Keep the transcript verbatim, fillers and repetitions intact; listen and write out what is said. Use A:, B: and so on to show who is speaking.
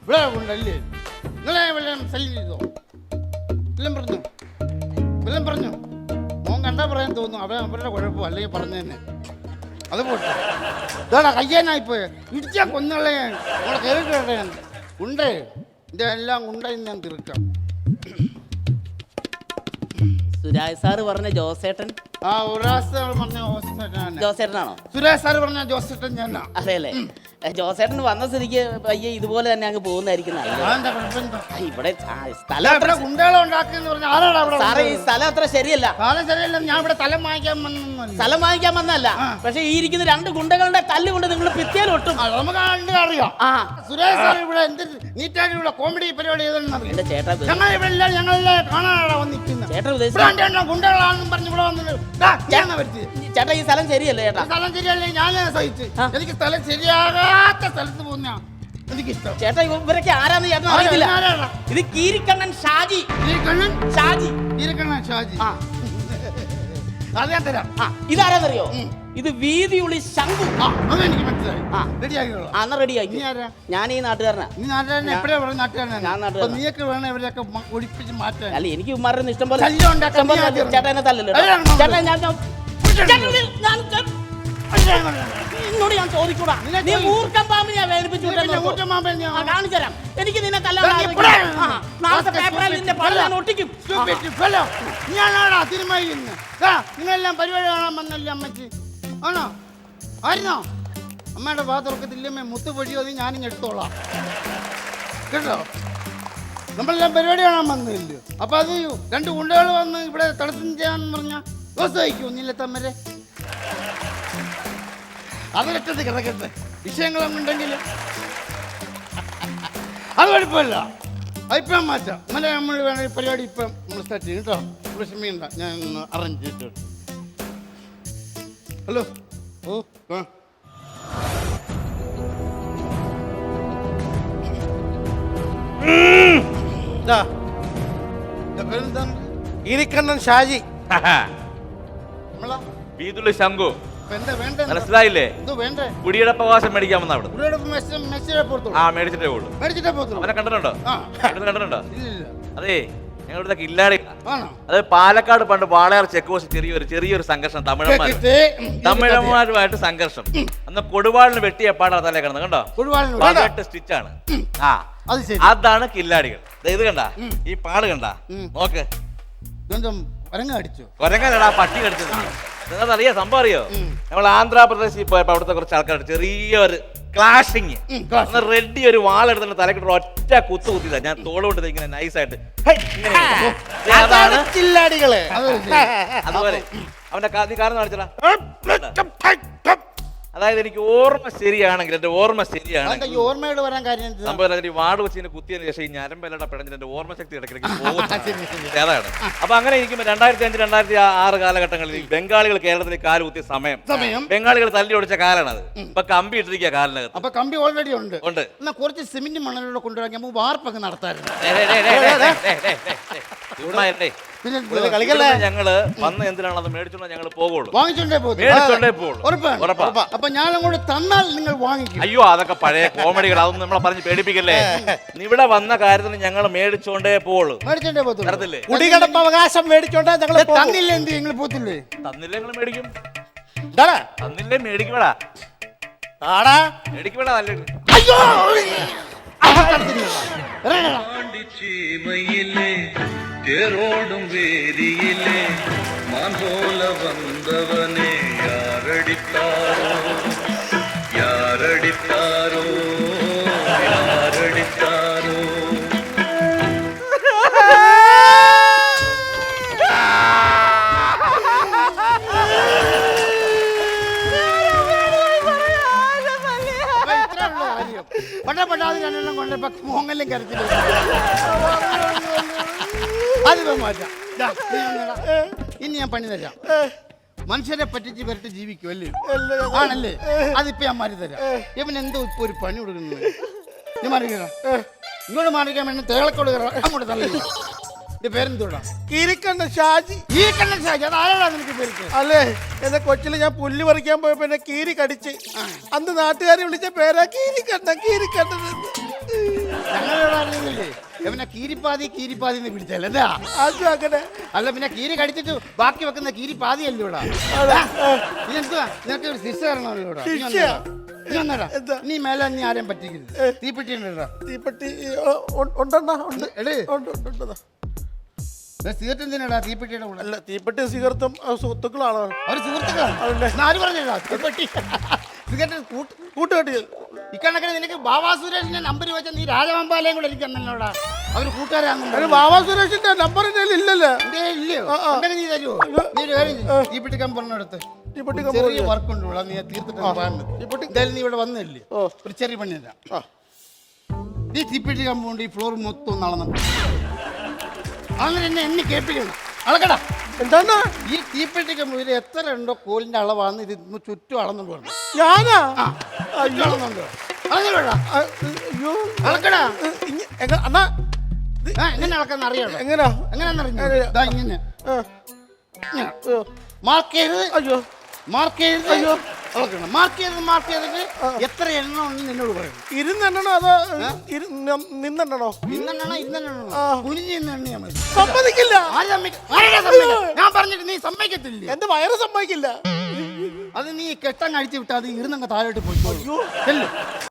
A: ഇവിടെ ഉണ്ടല്ലേ? നിങ്ങളെ വല്ലതും ശല്യം ചെയ്തോ? വല്ലതും പറഞ്ഞു? വല്ലതും പറഞ്ഞു? മോൻ കണ്ടാ പറയാൻ തോന്നുന്നു. അവൻ അവരുടെ കുഴപ്പം അല്ലെങ്കിൽ പറഞ്ഞു തന്നെ. അത് പോട്ടെ. ഇതാടാ കയ്യാനായിപ്പോയെ. ഇടിച്ചാ കൊന്നുകളെ നമ്മളെ കയറി കേട്ടെ. ഉണ്ടേ ഇതിൻ്റെ എല്ലാം ഉണ്ടെന്ന് ഞാൻ തീർക്കാം.
B: സുരാജ് സാറ് പറഞ്ഞ ജോസേട്ടൻ
A: ആ ഒരാഴ്ച പറഞ്ഞ ജോസേട്ടനാണ്.
B: ജോസേട്ടനാണോ?
A: സുരേഷ് സാറ് പറഞ്ഞ ജോസേട്ടൻ ഞാനാ.
B: അതെ അല്ലേ? ജോസേട്ടൻ വന്ന സ്ഥിതിക്ക് പയ്യെ ഇതുപോലെ തന്നെ അങ്ങ് പോകുന്നതായിരിക്കും നല്ലത്.
A: അതെന്താ കുഴപ്പം എന്താ?
B: ഇവിടെ ആ, സ്ഥലം അത്ര
A: ഗുണ്ടകളെ ഉണ്ടാക്കിയെന്ന് പറഞ്ഞ ആരാടാ ഇവിടെ?
B: സാറേ ഈ സ്ഥലം അത്ര ശരിയല്ല.
A: കാലം ശരിയല്ല. ഞാൻ ഇവിടെ തലം വാങ്ങിക്കാൻ വന്നൊന്നുമല്ല.
B: സ്ഥലം വാങ്ങിക്കാൻ വന്നല്ല. പക്ഷെ ഈ ഇരിക്കുന്ന രണ്ട് ഗുണ്ടകളുടെ തല്ല് കൊണ്ട് നിങ്ങൾ ഭിത്തിയിലൊട്ടും.
A: ആ, നമുക്ക് കണ്ട് അറിയാം.
B: ആ
A: സുരേഷ് സാർ ഇവിടെ എന്ത് നീറ്റായിട്ട് ഇവിടെ കോമഡി പരിപാടി ചെയ്തെന്നറിയാം.
B: എന്റെ ചേട്ടാ
A: ഞങ്ങൾ ഇവിടെ എല്ലാം ഞങ്ങളെല്ലാം കാണാനാണ് വന്നിരിക്കുന്നത്.
B: ചേട്ടൻ
A: ഇവിടെ
B: ഉദ്ദേശിച്ച
A: രണ്ടെണ്ണം ഗുണ്ടകളാണെന്നും പറഞ്ഞ് ഇവിടെ വന്നിട്ട് വരുത്തി.
B: ചേട്ടാ ഈ സ്ഥലം ശരിയല്ലേ ചേട്ടാ?
A: സ്ഥലം ശരിയല്ലേ? ഞാൻ സഹിച്ച്
B: ആ.
A: എനിക്ക് സ്ഥലം ശരിയാകാത്ത സ്ഥലത്ത് പോകുന്ന എനിക്കിഷ്ടം.
B: ചേട്ടാ ഇവരൊക്കെ ആരാന്ന് ചേട്ടൻ അറിയില്ല.
A: ആരാടാ?
B: ഇത് കീരിക്കണ്ണൻ ഷാജി.
A: ഈരക്കണ്ണൻ
B: ഷാജി
A: ഈരക്കണ്ണൻ ഷാജി.
B: ആ
A: അത് ഞാൻ തരാം.
B: ആ ഇതാരാന്നറിയോ? ഇത് വീതിയുള്ളി ശംഖു.
A: ആ അത് എനിക്ക് മനസ്സിലായി.
B: ആ.
A: റെഡിയാക്കിയോളാം.
B: അന്ന് റെഡി ആക്കി.
A: നീ ആരാ?
B: ഞാൻ ഈ നാട്ടുകാരനാ.
A: നീ നാട്ടുകാരനെ എപ്പോഴാ പറഞ്ഞ നാട്ടുകാരനാണ്?
B: ഞാൻ നാട്ടുകാരനാ.
A: നീയൊക്കെ വേണം ഇവരെയൊക്കെ മ- ഒഴിപ്പിച്ച് മാറ്റാൻ.
B: അല്ല എനിക്ക് ഇമാരുടെ ഇഷ്ടം പോലെ
A: ശല്യം ഉണ്ടാക്കാൻ
B: ഇഷ്ടം പോലെ
A: നീ ആദ്യം
B: ചേട്ടാ എന്നെ തല്ലല്ലോ.
A: അല്ല, ഞാൻ-
B: ചേട്ടാ ഞാൻ ഞാൻ- ചേട്ടാ, ഞാൻ- ഞാൻ- നിന്നോട് ഞാൻ ചോദിക്കൂടാ.
A: നിന്നെ
B: നീ
A: ചോദി-
B: മൂർഖൻ പാമ്പിനെ വേദനിപ്പിച്ചു
A: നീ പിന്നെ ഊറ്റം പാമ്പൻ ഞാൻ-
B: കാണിച്ചു തരാം. എനിക്ക് നിന്നെ തല്ലാൻ
A: നീ
B: ആഗ്രഹിക്കുന്നു.
A: ഇവിടെ
B: ആ, നാളത്തെ
A: stupid,
B: പേപ്പറിൽ നിന്റെ പടം ഞാൻ ഒട്ടിക്കും.
A: Stupid fellow. ഞാനാടാ തീരുമാനിക്കുന്നത്. ദാ, നിങ്ങളെല്ലാം പരിപാടി കാണാൻ വന്നല്ലേ അമ്മച്ചി? ആണോ? ആയിരുന്നോ? അമ്മയുടെ ഭാഗത്തുറക്കത്തില്ലമ്മേ മുത്തുപൊഴിയോ അത് ഞാനും എടുത്തോളാം കേട്ടോ. നമ്മളെല്ലാം പരിപാടി കാണാൻ വന്നില്ലയോ? അപ്പൊ അത് രണ്ട് ഗുണ്ടകൾ വന്ന് ഇവിടെ തടസ്സം ചെയ്യാന്ന് പറഞ്ഞാൽ ദിവസം വയ്ക്കൂ നീല തമ്മരെ. അതിലറ്റത്ത് കിടക്കട്ടെ. വിഷയങ്ങളൊന്നും ഉണ്ടെങ്കിൽ അത് കുഴപ്പമില്ല. അതിപ്പം മാറ്റാം. ഇന്നലെ നമ്മൾ വേണ പരിപാടി ഇപ്പം നമ്മൾ സ്റ്റാർട്ട് ചെയ്യും കേട്ടോ. വിഷമിയുണ്ട, ഞാൻ ഒന്ന് അറേഞ്ച് ചെയ്തിട്ട്. ഹലോ. ഓ ആ പേരെന്താണ്?
C: ഈരിക്കണ്ണൻ ഷാജി.
A: നമ്മളാ
C: വീതുള്ളി ശംഖു.
A: ഇപ്പൊ എന്താ വേണ്ട?
C: മനസ്സിലായില്ലേ?
A: എന്തോ വേണ്ടേ?
C: കുടിയുടെ അവകാശം മേടിക്കാൻ വന്ന അവിടെ.
A: ഇവിടെ മെസ്സേജ് മെസ്സേജ് പോകത്തുള്ളൂ.
C: ആ മേടിച്ചിട്ടേ ഉള്ളൂ.
A: മേടിച്ചിട്ടേ പോകത്തുള്ളൂ.
C: അവനെ കണ്ടിട്ടുണ്ടോ?
A: ആ
C: ഇവിടുന്ന് കണ്ടിട്ടുണ്ടോ?
A: ഇല്ലില്ല.
C: അതെ ഞങ്ങളുടെ കില്ലാടി.
A: ആണോ?
C: അത് പാലക്കാട് പണ്ട് വാളയാർ ചെക്ക് പോസ്റ്റ് ചെറിയൊരു ചെറിയൊരു സംഘർഷം തമിഴന്മാർ
A: കേട്ടിട്ട്, ഉം,
C: തമിഴന്മാരുമായിട്ട് സംഘർഷം. അന്ന് കൊടുവാളിന് വെട്ടിയ പാടാ തലേ കിടന്ന് കണ്ടോ?
A: കൊടുവാളിന് വേണ്ട.
C: പതിനെട്ട് സ്റ്റിച്ചാണ്. ആ
A: അത് ശരി.
C: അതാണ് കില്ലാടികൾ. ദേ ഇത് കണ്ട ഈ പാട് കണ്ട നോക്ക്.
A: ഇതെന്തും ഒരങ്ങ അടിച്ചു.
C: കൊരങ്ങനടാ പട്ടി കടിച്ചത്. നിങ്ങൾക്ക് അറിയാം സംഭവം അറിയോ? നമ്മൾ ആന്ധ്രാപ്രദേശിൽ പോയപ്പോ അവിടുത്തെ കുറച്ച് ആൾക്കാർ ചെറിയൊരു ക്ലാഷിങ് റെഡി ഒരു വാളെടുത്തിട്ട് തലക്കിട്ട് ഒറ്റ കുത്തു കുത്തിയതാ. ഞാൻ തോളുകൊണ്ട് ഇങ്ങനെ നൈസായിട്ട്
B: ചില്ലാടികള്.
C: അതുപോലെ അവന്റെ നീ കാരണം കാണിച്ചടാ. അതായത് എനിക്ക് ഓർമ്മ ശരിയാണെങ്കിൽ എന്റെ ഓർമ്മ ശരിയാണെങ്കിൽ
A: ഈ ഓർമ്മയോട് വരാൻ കാര്യം എന്ത്?
C: സംഭവം അതിന്റെ വാട് വെച്ച് കുത്തിയതിന് ശേഷം ഈ ഞരമ്പെല്ലാം പിടഞ്ഞിട്ട് എന്റെ ഓർമ്മ ശക്തി ഇടയ്ക്കിടയ്ക്ക് പോകും. അതാണ്. അപ്പൊ അങ്ങനെ ഇരിക്കുമ്പോൾ രണ്ടായിരത്തി അഞ്ച് രണ്ടായിരത്തി ആറ് കാലഘട്ടങ്ങളിൽ ബംഗാളികൾ കേരളത്തിൽ കാല് കുത്തിയ സമയം
A: സമയം
C: ബംഗാളികൾ തല്ലി ഒടിച്ച കാലാണ് അത്. ഇപ്പൊ കമ്പി ഇട്ടിരിക്കുക കാലിനകത്ത്.
A: അപ്പൊ കമ്പി ഓൾറെഡി ഉണ്ട്.
C: ഉണ്ട്.
A: എന്നാ കുറച്ച് സിമെന്റ് മണലിലൂടെ കൊണ്ടുവരാൻ നമുക്ക് വാർപ്പൊക്കെ നടത്താറുണ്ട്.
C: ഞങ്ങള് വന്ന് എന്തിനാണ് അത് മേടിച്ചോണ്ട് ഞങ്ങൾ പോകുള്ളൂ.
A: വാങ്ങിച്ചോണ്ടേ പോകും.
C: മേടിച്ചോണ്ടേ പോകുള്ളൂ.
A: ഉറപ്പാണ്. അപ്പൊ ഞാൻ അങ്ങോട്ട് തന്നാൽ നിങ്ങൾ വാങ്ങിക്കും.
C: അയ്യോ അതൊക്കെ പഴയ കോമഡികൾ. അതൊന്നും നമ്മളെ പറഞ്ഞ് പേടിപ്പിക്കല്ലേ. ഇവിടെ വന്ന കാര്യത്തിന് ഞങ്ങൾ മേടിച്ചോണ്ടേ പോവുള്ളൂ.
A: മേടിച്ചോണ്ടേ പോകത്തുള്ളൂ.
C: തരത്തില്ലേ?
B: കുടികടപ്പ് അവകാശം മേടിച്ചോണ്ടേ ഞങ്ങൾ
A: തന്നില്ല എന്ത് നിങ്ങൾ പോത്തില്ലേ?
C: തന്നില്ലേ ഞങ്ങൾ മേടിക്കും. തന്നില്ലേ മേടിക്കടാ. മേടിക്കടാ. നല്ല
A: അയ്യോ
D: தேரோடும் வேதியிலே மான் போல வந்தவனே யாரடித்தாரோ யாரடித்தாரோ யாரடித்தாரோ.
A: പട്ട പട്ടാതി രണ്ടെണ്ണം കൊണ്ടപ്പോ മോങ്ങലും കരച്ചില്ല. അതിപ്പോ മാറ്റാം. ഇനി ഞാൻ പണി തരാം. മനുഷ്യരെ പറ്റിച്ച് വരട്ട് ജീവിക്കുമല്ലേ? ആണല്ലേ? അതിപ്പോ ഞാൻ മാറി തരാം. ഇവൻ എന്തോ ഇപ്പൊ ഒരു പണി കൊടുക്കുന്നത്. നീ മാറിക്കണ ഇങ്ങോട്ട് മാറിക്കാൻ വേണ്ടി തേളക്കോട് അങ്ങോട്ട് തള്ളില്ല. എന്റെ പേരെന്തോടാ?
B: കീരിക്കണ്ണൻ ഷാജി.
A: കീരിക്കണ്ണൻ ഷാജി. അത് ആരാടാ നിനക്ക് പേര്?
B: അല്ലേ എന്റെ കൊച്ചില് ഞാൻ പുല്ല് പറിക്കാൻ പോയപ്പോ എന്നെ കീരി കടിച്ച് അന്ന് നാട്ടുകാരെ വിളിച്ച പേരാ കീരിക്കണ്ണൻ. കീരിക്കണ്ണൻ
A: പിന്നെ കീരിപ്പാതി കീരിപ്പാതി എന്ന് പിടിച്ചാൽ എന്താ
B: ആദ്യം അങ്ങനെ
A: അല്ല പിന്നെ കീരി കടിച്ചിട്ട് ബാക്കി വെക്കുന്ന കീരിപ്പാതി അല്ലേ ഇവിടെ ഇതെന്തുവാ നിനക്ക് ഒരു ശിക്ഷ തരണമല്ലോ ഇവിടെ നീ
B: ശിക്ഷ?
A: വന്നെടാ. നീ വന്നെടാ.
B: എന്താ?
A: നീ മേലെ നീ ആരെയും പറ്റിക്കരുത് തീപ്പെട്ടി ഉണ്ടോ
B: തീപ്പെട്ടി ഓ, ഉ- ഉണ്ടെണ്ണ ഉണ്ട്
A: എടേ
B: ഉണ്ട്, ഉണ്ട്, ഉണ്ട്.
A: സിഗരറ്റ് എന്തിനാടാ തീപ്പെട്ടിയുടെ കൂടെ
B: അല്ല തീപ്പെട്ടി സിഗരറ്റും സുഹൃത്തുക്കളാണ്
A: ഒരു സുഹൃത്തുക്കളാണ്
B: അതല്ലേ?
A: എന്നാ ആര് പറഞ്ഞാ തീപ്പെട്ടി സിഗരറ്റ് കൂട്ട്
B: കൂട്ടുകെട്ടി
A: ഇക്കണക്കിന് നിനക്ക് ബാബാ സുരേഷിന്റെ നമ്പർ വെച്ച നീ രാജവമ്പാലയും കൂടെ എനിക്ക് തന്നല്ലോടാ അവര്
B: അതിന്
A: കൂട്ടുകാരാന്ന്
B: ബാബാ സുരേഷിന്റെ നമ്പർ ഇല്ലല്ലോ
A: ഇല്ലയോ
B: ആ, ആ.
A: ഉണ്ടെങ്കിൽ നീ തരുമോ നീ ഒരു കാര്യം ചെയ്യ്. തീപ്പെട്ടിക്കാൻ പറഞ്ഞെടുത്ത്
B: തീപ്പെട്ടി
A: ചെറിയ വർക്ക് ഉണ്ട് ഇവിടെ നീ തീർത്തിട്ട് പോകാൻ മതി തീപ്പെട്ടി എന്തായാലും നീ ഇവിടെ വന്നില്ലേ
B: ഓ.
A: ഒരു ചെറിയ പണിയല്ല
B: ആ.
A: നീ തീപ്പെട്ടി കമ്പൗണ്ട് ഈ ഫ്ലോർ മൊത്തം നടന്നു അങ്ങനെ എന്നെ എന്നെ കേൾപ്പിക്കണം അളക്കടാ
B: എന്താണ്
A: ഈ തീപ്പെട്ടി കമ്പൗണ്ടിൽ എത്ര ഉണ്ടോ കോലിന്റെ അളവാന്ന് ഇത് ഇന്ന് ചുറ്റും അളന്നുകൊണ്ട് വേണം
B: ഞാനാ
A: ആ ചുറ്റും അളന്നുകൊണ്ട് അളന്നു വേണ്ട
B: ആ, അയ്യോ
A: അളക്കടാ
B: ഇങ്ങ- എങ്ങ- അണ്ണാ
A: ആ എങ്ങനെ അളക്കാന്ന് അറിയാലോ
B: എങ്ങനാ
A: എങ്ങനെയാണെന്നറിഞ്ഞു
B: അറിയാം.
A: ഇതാ ഇങ്ങനെ
B: ആ,
A: ഇങ്ങനെ
B: അയ്യോ,
A: മാർക്ക് ചെയ്ത്
B: അയ്യോ
A: മാർക്ക് ചെയ്ത്
B: അയ്യോ.
A: അളക്കണം മാർക്ക് ചെയ്ത് മാർക്ക് ചെയ്തിട്ട് എത്ര എണ്ണം ഉണ്ടെന്ന് നിന്നോട് പറയണം
B: ഇരുന്നെണ്ണണോ അതോ ഇരു- ന- നിന്നെണ്ണണോ
A: ഇന്നെണ്ണോ ഇന്നെണ്ണോ
B: ആ.
A: കുനിഞ്ഞ് ഇന്ന് എണ്ണിയാ മതി
B: സമ്മതിക്കില്ല
A: ആര് സമ്മതിക്ക- ആരാ സമ്മതിക്ക? ഞാൻ പറഞ്ഞിട്ട് നീ സമ്മതിക്കത്തില്ലേ
B: എന്റെ വയറ് സമ്മതിക്കില്ല
A: അത് നീ കെട്ടങ്ങ് അഴിച്ചു വിട്ടാൽ അത് ഇരുന്നങ്ങ് താഴോട്ട് പോയിക്കോളൂ ചെല്ല്.